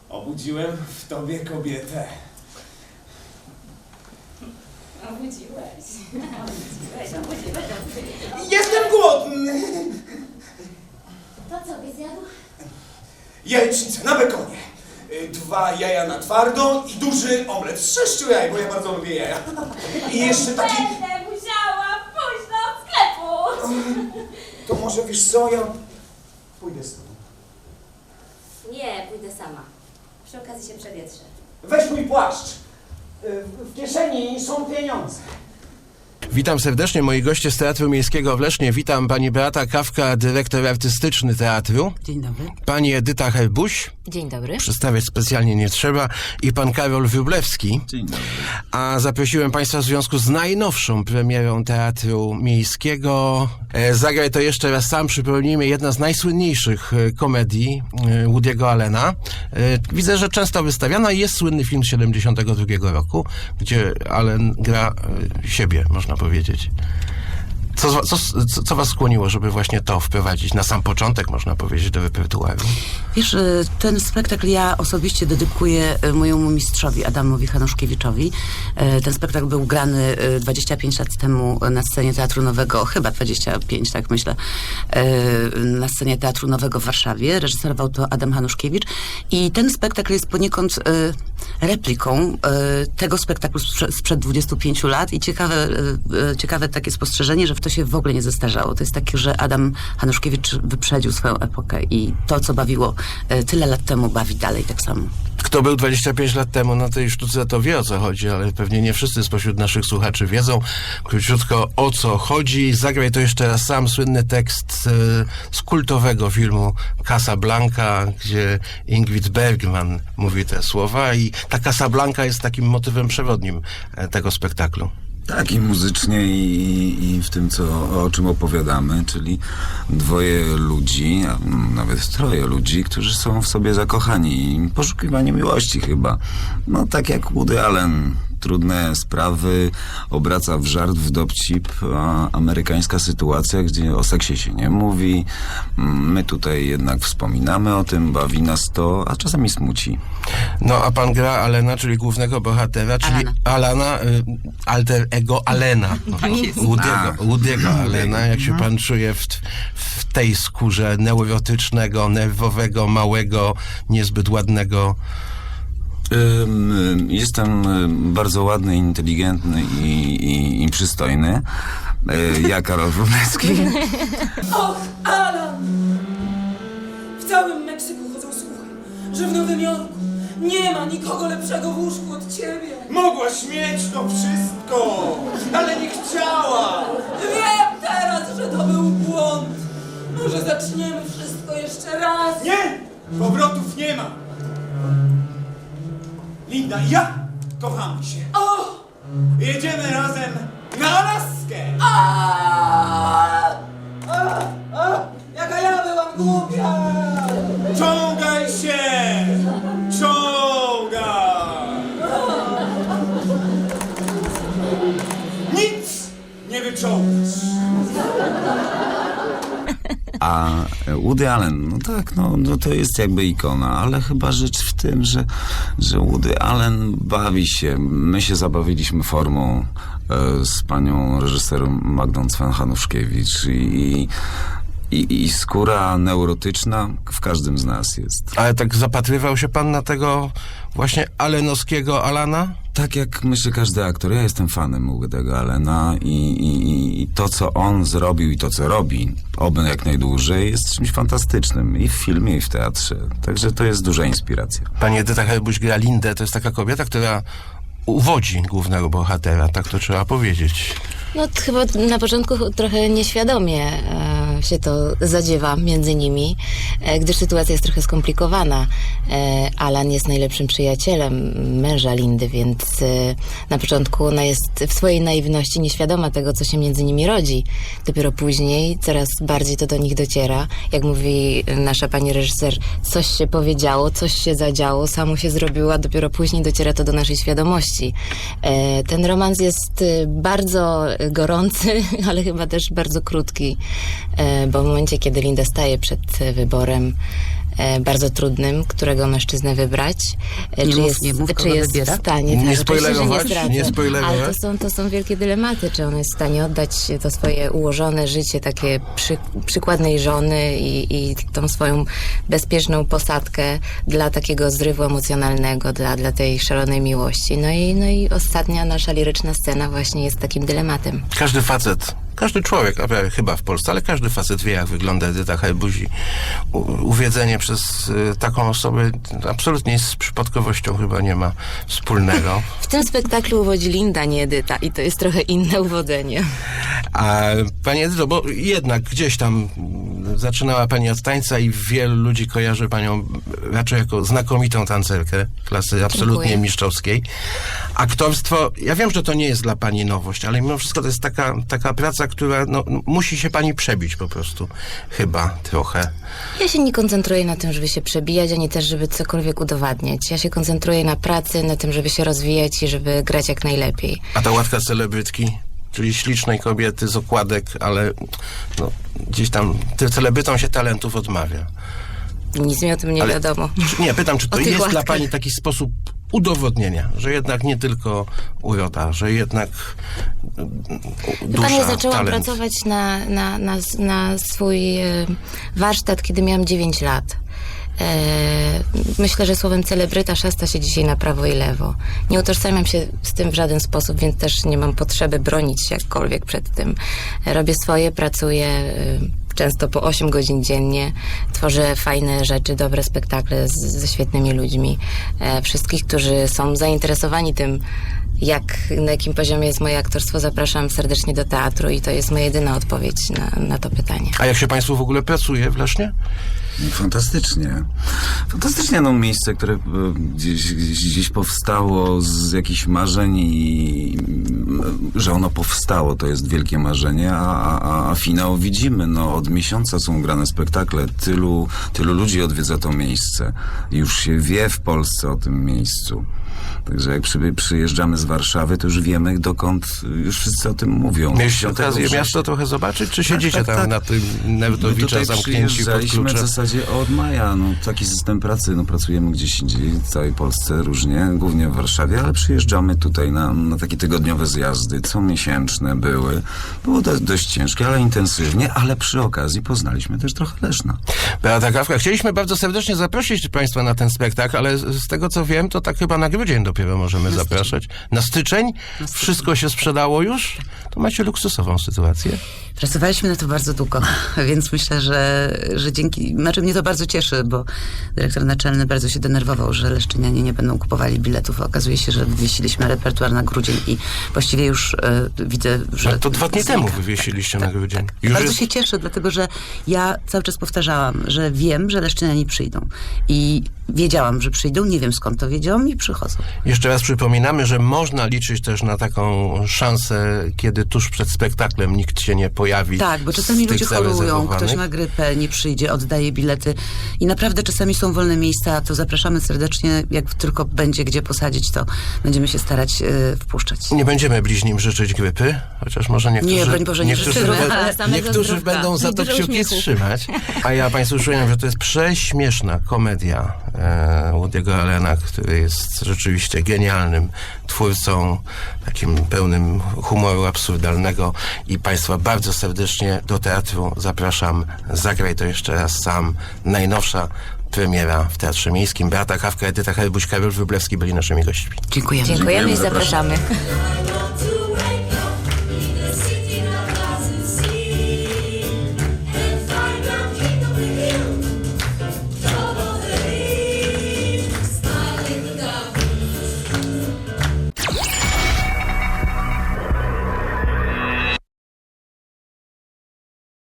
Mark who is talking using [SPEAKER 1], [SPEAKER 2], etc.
[SPEAKER 1] Obudziłem w tobie kobietę.
[SPEAKER 2] Obudziłeś.
[SPEAKER 1] Jestem głodny!
[SPEAKER 2] To co byś zjadł?
[SPEAKER 1] Jajecznicę na bekonie. 2 jaja na twardo i duży omlet z 6 jaj, bo ja bardzo lubię jaja. I jeszcze taki...
[SPEAKER 2] Będę musiała pójść do sklepu.
[SPEAKER 1] To może wiesz co, ja pójdę z tobą.
[SPEAKER 2] Nie, pójdę sama. Przy okazji się przewietrzę.
[SPEAKER 1] Weź mój płaszcz. W kieszeni są pieniądze.
[SPEAKER 3] Witam serdecznie, moi goście z Teatru Miejskiego w Lesznie. Witam pani Beata Kawka, dyrektor artystyczny teatru.
[SPEAKER 4] Dzień dobry.
[SPEAKER 3] Pani Edyta Herbuś.
[SPEAKER 2] Dzień dobry.
[SPEAKER 3] Przedstawiać specjalnie nie trzeba. I pan Karol Wróblewski.
[SPEAKER 5] Dzień dobry.
[SPEAKER 3] A zaprosiłem państwa w związku z najnowszą premierą Teatru Miejskiego. Zagraj to jeszcze raz sam. Przypomnijmy, jedna z najsłynniejszych komedii Woody'ego Allena. Widzę, że często wystawiana. Jest słynny film z 72 roku, gdzie Allen gra siebie, można powiedzieć. Co was skłoniło, żeby właśnie to wprowadzić na sam początek, można powiedzieć, do repertuaru?
[SPEAKER 4] Wiesz, ten spektakl ja osobiście dedykuję mojemu mistrzowi Adamowi Hanuszkiewiczowi. Ten spektakl był grany 25 lat temu na scenie Teatru Nowego, chyba 25, tak myślę, na scenie Teatru Nowego w Warszawie. Reżyserował to Adam Hanuszkiewicz i ten spektakl jest poniekąd repliką tego spektaklu sprzed 25 lat i ciekawe takie spostrzeżenie, że w to się w ogóle nie zestarzało. To jest takie, że Adam Hanuszkiewicz wyprzedził swoją epokę i to, co bawiło tyle lat temu, bawi dalej tak samo.
[SPEAKER 3] Kto był 25 lat temu na tej sztuce, to wie, o co chodzi, ale pewnie nie wszyscy spośród naszych słuchaczy wiedzą. Króciutko, o co chodzi. Zagraj to jeszcze raz sam. Słynny tekst z kultowego filmu Casablanca, gdzie Ingrid Bergman mówi te słowa i ta Casablanca jest takim motywem przewodnim tego spektaklu.
[SPEAKER 5] Tak, i muzycznie, i w tym, o czym opowiadamy, czyli 2 ludzi, a nawet 3 ludzi, którzy są w sobie zakochani i poszukiwanie miłości chyba. No tak jak Woody Allen, trudne sprawy obraca w żart, w dowcip, a amerykańska sytuacja, gdzie o seksie się nie mówi. My tutaj jednak wspominamy o tym, bawi nas to, a czasami smuci.
[SPEAKER 3] No, a pan gra Allena, czyli głównego bohatera, czyli Alana, alter ego Allena. Woody'ego Allena, jak się pan czuje w tej skórze neurotycznego, nerwowego, małego, niezbyt ładnego.
[SPEAKER 5] Jestem bardzo ładny, inteligentny i przystojny. Ja, Karol Wróblewski.
[SPEAKER 6] Och, Alan! W całym Meksyku chodzą słuchy, że w Nowym Jorku nie ma nikogo lepszego w łóżku od ciebie.
[SPEAKER 1] Mogłaś mieć to wszystko, ale nie chciała.
[SPEAKER 6] Wiem teraz, że to był błąd. Może zaczniemy wszystko jeszcze raz.
[SPEAKER 1] Nie! Powrotów nie ma. Linda i ja kochamy się.
[SPEAKER 6] O!
[SPEAKER 1] Jedziemy razem na Alaskę.
[SPEAKER 6] Jaka ja byłam głupia!
[SPEAKER 1] Ciągaj się! Ciągaj! Nic nie wyczągasz.
[SPEAKER 5] A Woody Allen, no tak, no to jest jakby ikona, ale chyba rzecz w tym, że Woody Allen bawi się. My się zabawiliśmy formą z panią reżyser Magdą Cwan-Hanuszkiewicz i skóra neurotyczna w każdym z nas jest.
[SPEAKER 3] Ale tak zapatrywał się pan na tego właśnie allenowskiego Allena?
[SPEAKER 5] Tak jak myślę każdy aktor, ja jestem fanem Woody'ego Allena i to, co on zrobił i to, co robi, oby jak najdłużej, jest czymś fantastycznym i w filmie, i w teatrze. Także to jest duża inspiracja.
[SPEAKER 3] Pani Edyta Herbuś gra Lindę, to jest taka kobieta, która uwodzi głównego bohatera, tak to trzeba powiedzieć.
[SPEAKER 2] No chyba na początku trochę nieświadomie się to zadziewa między nimi, gdyż sytuacja jest trochę skomplikowana. Alan jest najlepszym przyjacielem męża Lindy, więc na początku ona jest w swojej naiwności nieświadoma tego, co się między nimi rodzi. Dopiero później coraz bardziej to do nich dociera. Jak mówi nasza pani reżyser, coś się powiedziało, coś się zadziało, samo się zrobiło, a dopiero później dociera to do naszej świadomości. Ten romans jest bardzo gorący, ale chyba też bardzo krótki, bo w momencie, kiedy Linda staje przed wyborem, bardzo trudnym, którego mężczyznę wybrać.
[SPEAKER 4] Nie mów,
[SPEAKER 2] czy
[SPEAKER 4] kogo
[SPEAKER 2] jest
[SPEAKER 4] wybiera.
[SPEAKER 2] w stanie...
[SPEAKER 3] Nie
[SPEAKER 2] tak, oczywiście, że
[SPEAKER 3] spoilerować,
[SPEAKER 2] zdradzę.
[SPEAKER 3] nie spoilerować.
[SPEAKER 2] Ale to są wielkie dylematy, czy on jest w stanie oddać to swoje ułożone życie, takie przykładnej żony i tą swoją bezpieczną posadkę dla takiego zrywu emocjonalnego, dla tej szalonej miłości. No i ostatnia nasza liryczna scena właśnie jest takim dylematem.
[SPEAKER 3] Każdy facet, każdy człowiek, chyba w Polsce, ale każdy facet wie, jak wygląda Edyta Herbuś i uwiedzenie przez taką osobę absolutnie z przypadkowością chyba nie ma wspólnego.
[SPEAKER 2] W tym spektaklu uwodzi Linda, nie Edyta, i to jest trochę inne uwodzenie.
[SPEAKER 3] A Pani Edyto, bo jednak gdzieś tam zaczynała Pani od tańca i wielu ludzi kojarzy Panią raczej jako znakomitą tancerkę klasy absolutnie
[SPEAKER 2] Dziękuję.
[SPEAKER 3] mistrzowskiej. Aktorstwo, ja wiem, że to nie jest dla Pani nowość, ale mimo wszystko to jest taka praca, która musi się Pani przebić po prostu. Chyba trochę.
[SPEAKER 2] Ja się nie koncentruję na tym, żeby się przebijać, ani też, żeby cokolwiek udowadniać. Ja się koncentruję na pracy, na tym, żeby się rozwijać i żeby grać jak najlepiej.
[SPEAKER 3] A ta łatka celebrytki, czyli ślicznej kobiety z okładek, ale gdzieś tam tym celebrytom się talentów odmawia.
[SPEAKER 2] Nic mi o tym nie wiadomo.
[SPEAKER 3] Nie, pytam, czy to
[SPEAKER 2] O tych
[SPEAKER 3] jest dla
[SPEAKER 2] łatkach.
[SPEAKER 3] Pani taki sposób udowodnienia, że jednak nie tylko uroda, że jednak dusza,
[SPEAKER 2] Pani, zaczęłam
[SPEAKER 3] talent.
[SPEAKER 2] pracować na swój warsztat, kiedy miałam 9 lat. Myślę, że słowem celebryta szasta się dzisiaj na prawo i lewo. Nie utożsamiam się z tym w żaden sposób, więc też nie mam potrzeby bronić się jakkolwiek przed tym. Robię swoje, pracuję często po 8 godzin dziennie. Tworzę fajne rzeczy, dobre spektakle ze świetnymi ludźmi. Wszystkich, którzy są zainteresowani tym, na jakim poziomie jest moje aktorstwo, zapraszam serdecznie do teatru i to jest moja jedyna odpowiedź na to pytanie.
[SPEAKER 3] A jak się Państwu w ogóle pracuje w Lesznie?
[SPEAKER 5] Fantastycznie. Fantastycznie, miejsce, które gdzieś powstało z jakichś marzeń i że ono powstało, to jest wielkie marzenie, a finał widzimy. Od miesiąca są grane spektakle, tylu ludzi odwiedza to miejsce. Już się wie w Polsce o tym miejscu. Także jak przyjeżdżamy z Warszawy, to już wiemy, dokąd już wszyscy o tym mówią.
[SPEAKER 3] Mieliście okazję
[SPEAKER 5] września.
[SPEAKER 3] miasto trochę zobaczyć, czy siedzicie
[SPEAKER 5] tak.
[SPEAKER 3] tam na tym Nerdowicza zamknięci pod
[SPEAKER 5] przyjeżdżaliśmy
[SPEAKER 3] kluczem?
[SPEAKER 5] w zasadzie od maja. Taki system pracy. Pracujemy gdzieś indziej, w całej Polsce różnie, głównie w Warszawie, ale przyjeżdżamy tutaj na takie tygodniowe zjazdy, comiesięczne były. Było dość ciężkie, ale intensywnie, ale przy okazji poznaliśmy też trochę Leszna.
[SPEAKER 3] Beata Kawka, chcieliśmy bardzo serdecznie zaprosić Państwa na ten spektakl, ale z tego co wiem, to tak chyba na grudzień dopiero możemy zapraszać. Na styczeń? Wszystko się sprzedało już? To macie luksusową sytuację.
[SPEAKER 4] Pracowaliśmy na to bardzo długo, więc myślę, że dzięki... Znaczy mnie to bardzo cieszy, bo dyrektor naczelny bardzo się denerwował, że leszczynianie nie będą kupowali biletów. Okazuje się, że wywiesiliśmy repertuar na grudzień i właściwie już widzę, że...
[SPEAKER 3] Ale to 2 dni temu
[SPEAKER 4] znika.
[SPEAKER 3] wywiesiliście
[SPEAKER 4] Tak,
[SPEAKER 3] na grudzień.
[SPEAKER 4] tak.
[SPEAKER 3] Już
[SPEAKER 4] Bardzo
[SPEAKER 3] jest...
[SPEAKER 4] się cieszę, dlatego że ja cały czas powtarzałam, że wiem, że leszczynianie przyjdą. I wiedziałam, że przyjdą, nie wiem skąd to wiedziałam i przychodzą.
[SPEAKER 3] Jeszcze raz przypominamy, że można liczyć też na taką szansę, kiedy tuż przed spektaklem nikt się nie pojawi.
[SPEAKER 4] Tak, bo czasami
[SPEAKER 3] z tych
[SPEAKER 4] ludzie chorują,
[SPEAKER 3] zarezerwowanych.
[SPEAKER 4] ktoś ma grypę, nie przyjdzie, oddaje bilety i naprawdę czasami są wolne miejsca, to zapraszamy serdecznie, jak tylko będzie gdzie posadzić, to będziemy się starać wpuszczać.
[SPEAKER 3] Nie będziemy bliźnim życzyć grypy, chociaż może niektórzy,
[SPEAKER 4] Nie, broń Boże, nie życzymy,
[SPEAKER 2] ale samego
[SPEAKER 3] niektórzy
[SPEAKER 2] zdrówka
[SPEAKER 3] będą za
[SPEAKER 2] i
[SPEAKER 3] to
[SPEAKER 2] dużo
[SPEAKER 3] kciuki
[SPEAKER 2] uśmiechu.
[SPEAKER 3] trzymać. A ja Państwu przypominam, że to jest prześmieszna komedia Woody'ego Allena, który jest rzeczywiście genialnym twórcą, takim pełnym humoru absurdalnego i Państwa bardzo serdecznie do teatru zapraszam. Zagraj to jeszcze raz sam. Najnowsza premiera w Teatrze Miejskim. Beata Kawka, Edyta Herbuś, Karol Wróblewski byli naszymi gośćmi.
[SPEAKER 4] Dziękujemy.
[SPEAKER 2] Dziękujemy i
[SPEAKER 5] zapraszamy.
[SPEAKER 2] zapraszamy.